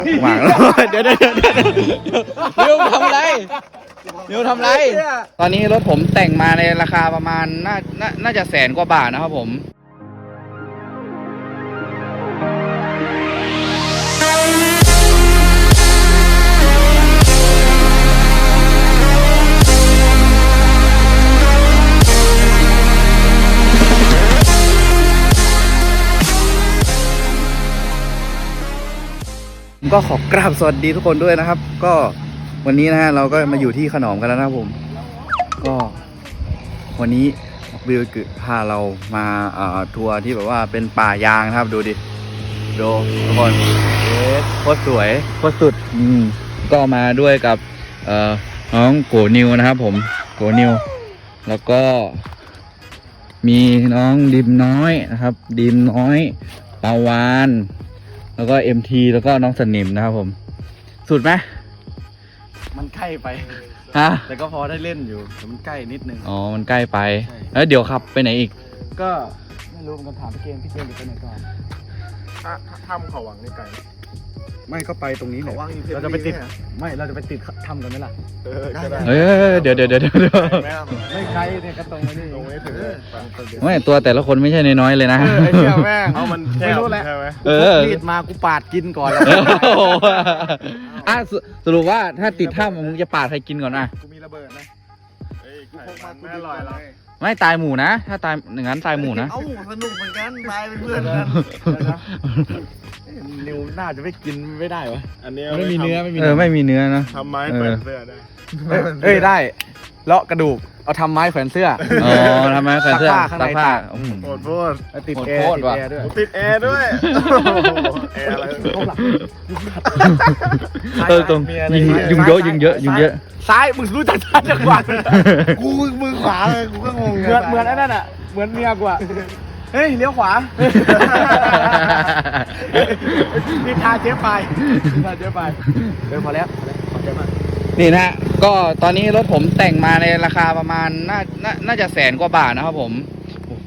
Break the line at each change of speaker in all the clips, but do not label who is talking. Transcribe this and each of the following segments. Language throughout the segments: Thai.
หวังเดี๋ยวนิวทำอะไรนิวทำอะไรตอนนี้รถผมแต่งมาในราคาประมาณน่าจะ100,000 กว่าบาทนะครับผมก็ขอกราบสวัสดีทุกคนด้วยนะครับก็วันนี้นะฮะเราก็มาอยู่ที่ขนอมกันแล้วนะครับผมก็วันนี้วิวคือพาเรามาทัวร์ที่แบบว่าเป็นป่ายางนะครับดูดิดูทุกคนโคตรสวยโคตรสุดก็มาด้วยกับน้องโกนิวนะครับผมโกนิวแล้วก็มีน้องดิมน้อยนะครับดิมน้อยปาวานแล้วก็ MT แล้วก็น้องสนิมนะครับผมสุดไหม
มันใกล้ไป
ฮะ
แต่ก็พอได้เล่นอยู่แต่มันใกล้นิดนึง
อ๋อมันใกล้ไปแล้วเดี๋ยวขับไปไหนอีก
ก็ไม่รู้มันถามพี่เกมจะไปไหนก่อน
ถ้ำเขาวังนี่ไกล
ไม่ก็ไปตรงนี้แหละเราจะไปติดถ้ำกันไหมล่ะ
เดี๋ยว
ไม่ไกลเนี่ยก็ตรงนี้
ไม่ตัวแต่ละคนไม่ใช่น้อยๆเลยนะ
ไอ้เชี่ยแม่งเอามันแค่ใช่ไหม
มีดมากูปาดกินก่อน
สรุปว่าถ้าติดถ้ำมึงจะปาดใครกินก่อนนะ
กูมีระเบิดนะกูพกมาไม่อร่อยหรอก
ไม่ตายหมู่นะถ้าตายอย่างนั้นตายหมู่นะ
เอ้าสนุกเหมือนกันตายเป็นเพื่อนกัน
นิวน่าจะไม่กินไม่ได้วะ
อันนี้
ไม่มีเนื้อ
ไม่มีเนื้อนะ
ทำไม้แขวนเสื้อได้
ได้เลาะกระดูกเอาทำไม้แขวนเสื้อ
อ๋อทำไมแขวนเสื้อ
ซักผ้า
โคตร
ติดแอร์ด้วย
ติดแอร์ด้วยแอร์อะไร
ตรงยุงเยอะ
ซ้ายมึงรู้จักซ้ายจังหวะ
กูมือขวาเลยกูก็งง
เหมือนไอ้นั่นอ่ะเหมือนเมียกูอ่ะเฮ้ยเลี้ยวขวานี่ทาเจ๊ไปพอแล้วขอบใจมาก
นี่นะก็ตอนนี้รถผมแต่งมาในราคาประมาณน่าจะ100,000 กว่าบาทนะครับผมโอ้โห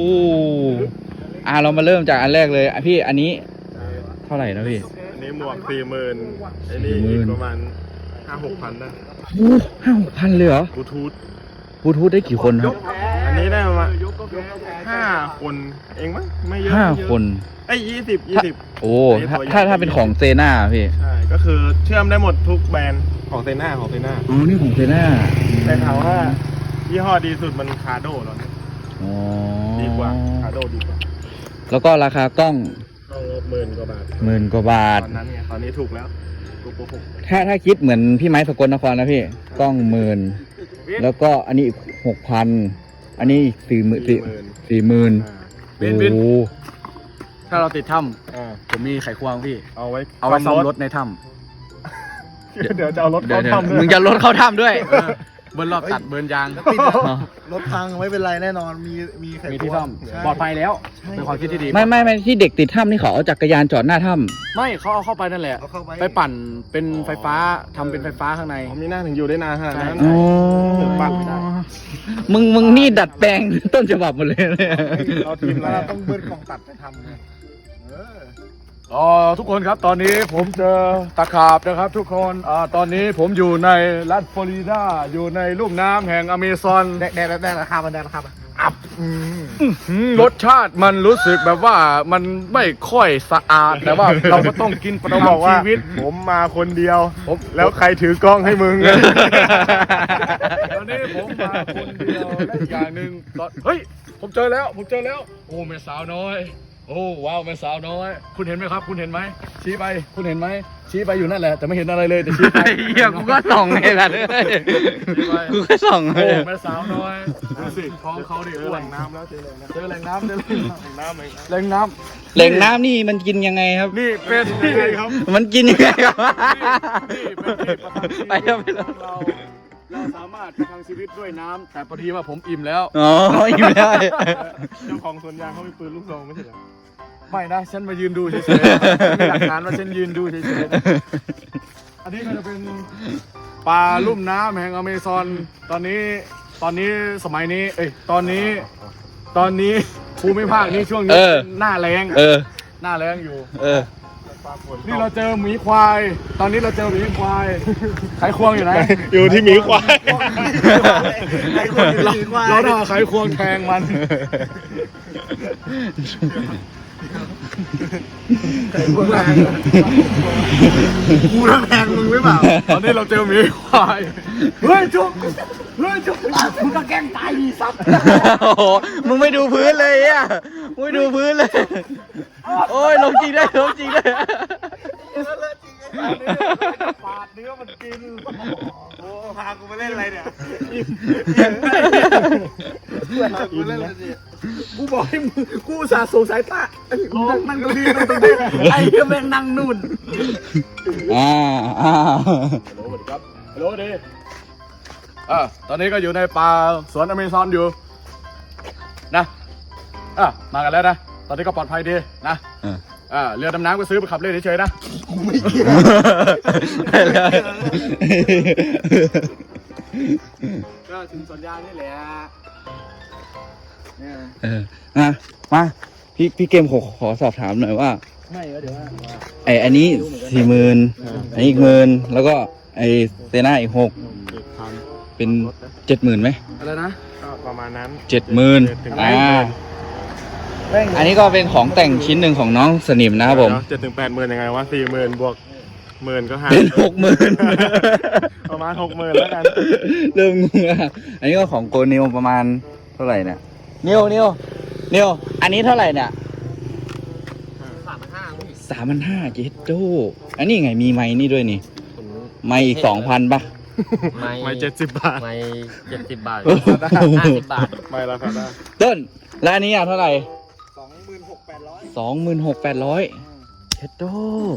เรามาเริ่มจากอันแรกเลยพี่อันนี้เท่าไหร่นะพี่
อันนี้หมวก40,000ไอ้นี่ประมาณ5-6,000นะ
5-6,000เลยเหรอบลูทูธได้กี่คนครับ
อันนี้ได้ประมาณ5 คนเองมั้งไม่เยอะ
5 คน
20
โอ้ถ้าเป็นของเซน่าพี่
ใช่ก็คือเชื่อมได้หมดทุกแบรนด์ของเซน่า
อ๋อนี่ของเซน่า
แต่ถามว่ายี่ห้อดีสุดมันคาโดแล้วเนี่ยดีกว่าคาโดดีกว่า
แล้วก็ราคากล้อง
10,000 กว่าบาทตอนนั้นไงตอนนี้ถูกแล้ว
ถ้าคิดเหมือนพี่ไม้สกลนครนะพี่กล้อง10,000แล้วก็อันนี้อีก6,000อันนี้อีก40,000โอ้
ถ้าเราติดถ้ำผมมีไขควงพี่เอาไว้ซ่อมรถในถ้
ำเดี๋ยวจะเอารถเข้าถ้ำ
มึงจะรถเข้าถ้ำด้วย
เบิร์นรอบตัดเบิร์นยาง
รถพังไม่เป็นไรแน่นอนมี
ที่ซ่อมปลอดภัยแล้วเป็นความคิดที่ดี
ไม่ที่เด็กติดถ้ำนี่เขาเอาจักรยานจอดหน้าถ้ำ
ไม่เขาเอาเข้าไปนั่นแหละไปปั่นเป็นไฟฟ้าทำเป็นไฟฟ้าข้างใน
มีหน้าถึงอยู่ได้นานขนาดนั้น
ปั่นไม่ได้มึงนี่ดัดแปลงต้นฉบับหมดเลย
เราทีมแล้วต้องเบิร์นของตัดไปทำ
ทุกคนครับตอนนี้ผมเจอตะขาบนะครับทุกคนตอนนี้ผมอยู่ในรัฐฟลอริดาอยู่ในลุ่มน้ำแห่งอเมซอน
แดงราคามัน
รสชาติมันรู้สึกแบบว่ามันไม่ค่อยสะอาดแต่ว่าเราก็ต้องกินประทังชีวิต
ผมมาคนเดียวแล้วใครถือกล้องให้มึง
ตอนนี้ผมมาคนเดียวและอีกอย่างหนึ่งเฮ้ยผมเจอแล้วโอ้แม่สาวน้อยโอ้ว้าวแม่สาวน้อยคุณเห็นไหมครับคุณเห็นไหมชี้ไปคุณเห็นไหมชี้ไปอยู่นั่นแหละแต่ไม่เห็นอะไรเลยแต่ชี้ไป
เฮียกูก็ส่องไงล่ะกูก็ส่อง
โอ้แม่สาวน้อยดูสิท้องเขาดิอ้วนน้ำแล้วเจอแหล่งน้ำแหล่งน้
ำนี่มันกินยังไงครับ
นี่เป็นยังไงครับ
มันกินยังไงครับ
ไปแล้วเราสามารถประทังชีวิตด้วยน้ำแต่พอดีว่าผมอิ่มแล้ว
อิ่มแล้ว
เจ้าของสวนยางเขามีปืนลูกซองไม่ใช่เหรอ
ไม่นะฉันมายืนดูเฉยๆมีหลักฐานว่าฉันยืนดูเฉยๆอันนี้ก็จะเป็นป่าลุ่มน้ำแห่งอเมซอนตอนนี้สมัยนี้ตอนนี้ภูมิภาคนี้ช่วงนี้หน้าแรงอยู่นี่เราเจอหมีควาย ตอนนี้เราเจอหมีควายไขควงอยู่ไหน
อยู่ที่หมีควาย
เราต้องเอาไขควงแทงมัน
กูต้องแทงมึงหรือเปล่า
ตอนนี้เราเจอหมีควายเฮ้ยจุ๊บเฮ้ยจุ๊บมึงก็แกล้งตายดีซับ
โอ้โห มึงไม่ดูพื้นเลยอ่ะมึงไม่ดูพื้นเลย โอ้ยลงจริงได้ลงจริงได้
ปาดเนื้อมันกิน
โอ้พากูมาเล่นอะไรเนี่ย
กูบอกให้มึงกูอุตสาห์ส่งสายตานั่งตรงนี้นั่งตรงนี้ไอ้ก็แม่งนั่งนู่น
อ่า
ฮัลโหลสวัสดีครับฮัลโหลดีตอนนี้ก็อยู่ในป่าสวนอเมซอนอยู่นะมากันแล้วนะตอนนี้ก็ปลอดภัยดีนะเรือดำน้ำก็ซื้อไปขับเล่นเฉยๆนะ ก็ถึงสวนยางนี่แหละ
มาพี่เกมขอสอบถามหน่อยว่า
ไม่เดี๋ยวว่า
อันนี้40,000อันนี้อีก10,000แล้วก็ไอเซน่าอีก6เป็น70,000ไหม
อะไรนะ
ก็ประมาณนั้น
70,000อันนี้ก็เป็นของแต่งชิ้นหนึ่งของน้องสนิมนะครับผม
7-8 หมื่นยังไงวะ40,000 บวก10,000 ก็หาร
เป็น60,000
ประมาณ 60,000 แล้วกัน
เริ่มงงอ่ะอันนี้ก็ของโกนิวประมาณเท่าไหร่เนี่ยนิวอันนี้เท่าไหร่เนี่ย3,500เจ็ดโจ้อันนี้ไงมีไม้นี่ด้วยนี่ไม้อีก 2,000ป่ะ
ไม่70 บาท
ไม่70 บาท 50 บาท
ไม่ราคาได้
ต้นแล้วอันนี้อ่ะเท่าไหร่
26,800
26,800เจ็ดโจ้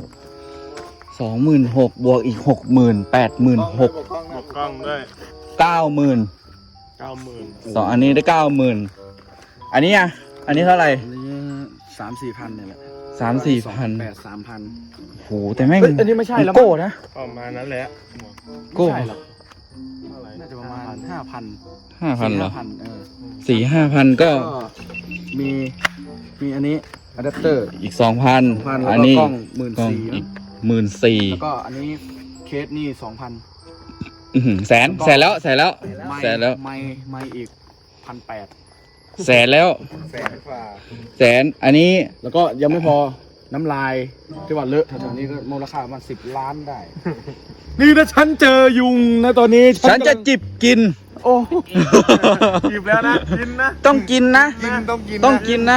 26,000บวกอีก 60,000 86,000
บวกกล้องด้วย
90,000
90,000
สองอันนี้ได้90,000อันนี้อ่ะอันนี้เท่าไหร่
อันนี้3-4 พันเนี่ยแหละ
3-4,000
3,000
โหแต่แม่ง
อันนี้ไม่ใช่แล้ว
โก้นะ
ประมาณนั้นแหละ
โก้
ใช่หรอก
เท่าไหร่
น่าจะประมาณ 5,000
5,000เหรอ
4-5,000
4-5,000ก็
มีอันนี้อะแดปเตอร์
อีก 2,000
2,000
อันนี้
แล้วก็กล้อง
กล้อง
14,000
อีก 14,000
แล้วก็อันนี้เคสนี่ 2,000
แสนแล้ว แสนแล้ว
ไม่อีก 1,800
แสนแล้ว
แสนกว่า
แสนอันนี้
แล้วก็ยังไม่พอน้ำลายที่ว่าเลอะแถวๆนี้ก็มูลค่าประมาณ10 ล้านได้ นี่นะฉันเจอยุงนะตอนนี้
ฉันจะจิบกิน
โอ้
จีบแล้วนะ กินนะ
ต้องกินนะ ต้องกินนะ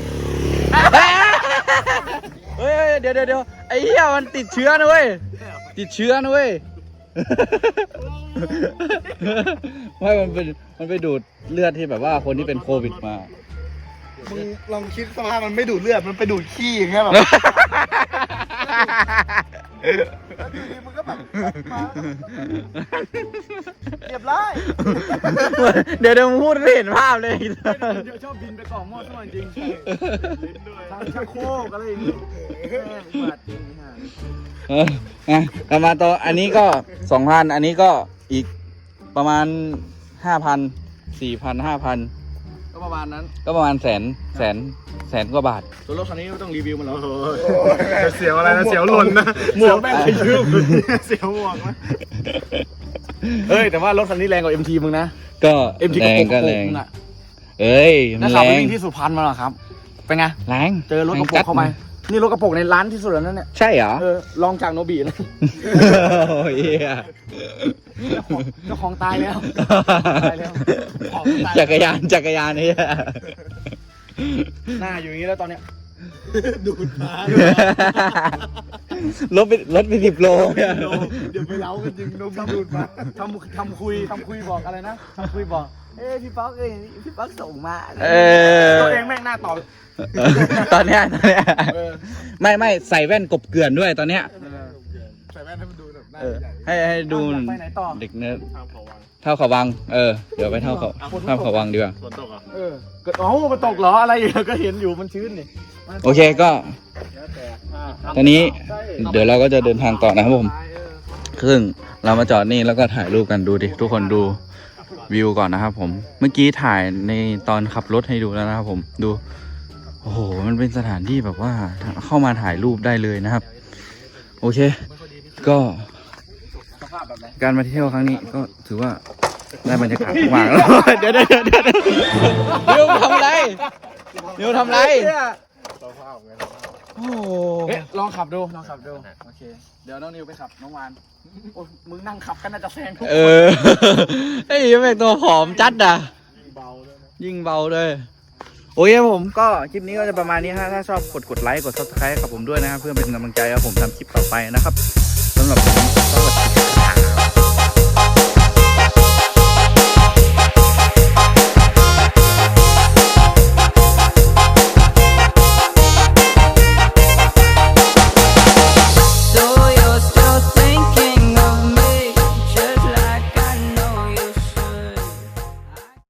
เฮ้ยเดี๋ยวไอ้เหี้ยมันติดเชื้อนะเว้ยติดเชื้อนะเว้ยไม่มันไปดูดเลือดที่แบบว่าคนที่เป็นโควิดมา
มึงลองคิดสภาพมันไม่ดูดเลือด มันไปดูดขี้อย่างเงี้ยแบบมึงก็แบบเรียบร้อย
เดี๋ยวมึงพูดไม่เห็นภาพเลย
เดี๋ยวชอบบินไปกล่องหม้อสมัยจริงทางชักโครกอะไรอย่างงี้บาดจริงฮะ
กลับมาต่ออันนี้ก็ 2,000 อันนี้ก็อีกประมาณ 5,000 4,000 5,000
ก็ประมาณนั้น
ก็ประมาณแสนกว่าบาท
ตัวรถคันนี้ไม่ต้องรีวิวมันแล้ว
เสียวอะไรนะ เสียวหล่นนะ
หมวกแม่งขยืม
เสียวหมวกนะ
เอ้ยแต่ว่ารถคันนี้แรงกว่า MT มึงนะ
ก็
MT
แรงก็แรง
มึงอะ
เอ้ยมั
แล้ว
น
ขับ
แร
ไป
ง
วิ่งที่สุพรรณมาเหรอครับ เป็นไง
แรง
เจอรถกระโปรงเข้าไป นี่รถกระโปรงในร้านที่สุดแล้วนั่นเนี่ย
ใช่เหรอ
ลองจากโนบีแล้ว
โอ้ยเหี้ย
เจ้าของตายแล้ว ตายแล้ว
จักรยานนี่
หน้าอยู่อย่างนี้แล้วตอนเนี้ย
รถไป10 โลเนี่ย
เดี๋ยวไปเล้ากันจริงนมดูดมา
ทำคุยบอกอะไรนะทำคุยบอก พี่ป๊อกพี่ป๊อกส่งมา ตัวเองแม่งหน้าตอบ
ตอนเนี้ย
เออ
ไม่ใส่แว่นกบเกลื่อนด้วยตอนเนี้ย
ใส่แว่นให้มันดูแบบหน้า
เออ
ใหญ่
ให้ดู
ไปไหนต่อ
เด็กเนิร์ด
ทางเขาวัง
เท่าเขาวังเดี๋ยวไปเท่าเขาวังดีกว่า
ฝนตกอ่ะ
มันตกเหรออะไรอยู่ก็เห็นอยู่มันชื้นนี่
โอเคก็ ตอนนี้เดี๋ยวเราก็จะเดินทางต่อนะครับผมซึ่งเรามาจอดนี่แล้วก็ถ่ายรูปกันดูดิทุกคนดูวิวก่อนนะครับผมเมื่อกี้ถ่ายในตอนขับรถให้ดูแล้วนะครับผมดูโอ้โหมันเป็นสถานที่แบบว่าเข้ามาถ่ายรูปได้เลยนะครับโอเค ก็การมาเที่ยวครั้งนี้ก็ถือว่าได้บรรยากาศมากแล้ว เดี๋ยวนิวทำไรนิวทำไรโอ้
เอ๊ะลองขับดูโอเคเดี๋ยวน้องนิวไปขับน้องวานโอ้ยมึงนั่งขับก็น่าจะแซงทุก
ไอ้ยังเป็นตัวผอมจัดอ่ะยิ่งเบาเลยโอเคผมก็คลิปนี้ก็จะประมาณนี้ฮะถ้าชอบกดไลค์กด subscribe กับผมด้วยนะครับเพื่อเป็นกำลังใจให้ผมทำคลิปต่อไปนะครับสำหรับผมสวัสดี